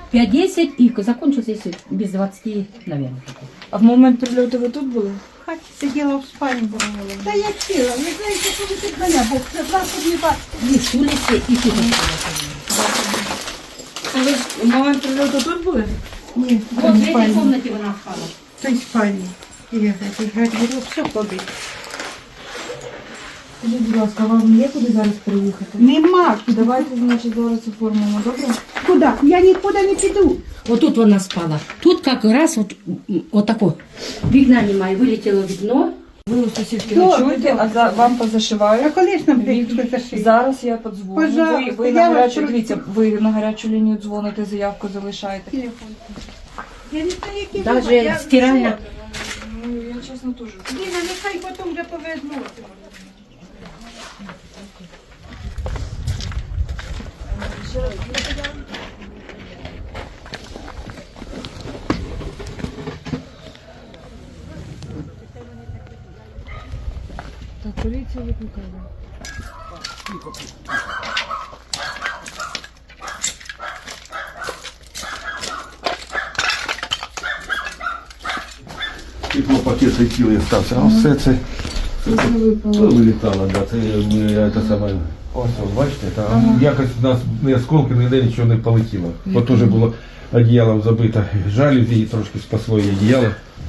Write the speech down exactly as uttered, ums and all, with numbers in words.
пять-десять и закончился, если без двадцати, наверное. А в момент прильоту ви тут були? В хаті сиділа в спальні була. Та я сіла, ви знаєте, коли тут мене, бо це вас не бачите. И с улицы, и тут. А ви в момент прильоту тут були? Ні, в Вот в той этой спальні. комнате она спала. В той спальні. І я говорю, все побить. Скажіть, будь ласка, вам є куди зараз приїхати? Нема. Давайте, значить, зараз оформимо, добре? Куди? Я нікуди не піду. Вот тут она спала. Тут как раз вот, вот такое. Вікна немає, вылетело вікно. Ви у сусідки Добре, ночуєте, а добре. за, вам А позашивають. коли ж нам прийшли зашити? Зараз я подзвоню. Ви, Пожалуйста, ви, я на вас гарячу, прошу. дивіться, ви на гарячу лінію дзвоните, заявку залишаєте. Телефон. Я не знаю, які Даже ви- я- стиральна. Ну, я чесно теж. Ліна, нехай потім вже повезло. Так, поліція викликає. Теплопакет цілий стався, а все це Це випало. вилітало, да, це е, те саме. Ось, ось, бачите, там якось у нас не осколки, ніде нічого не полетіло. От теж було одіялом забито жалюзі і трошки спасло її одіяло.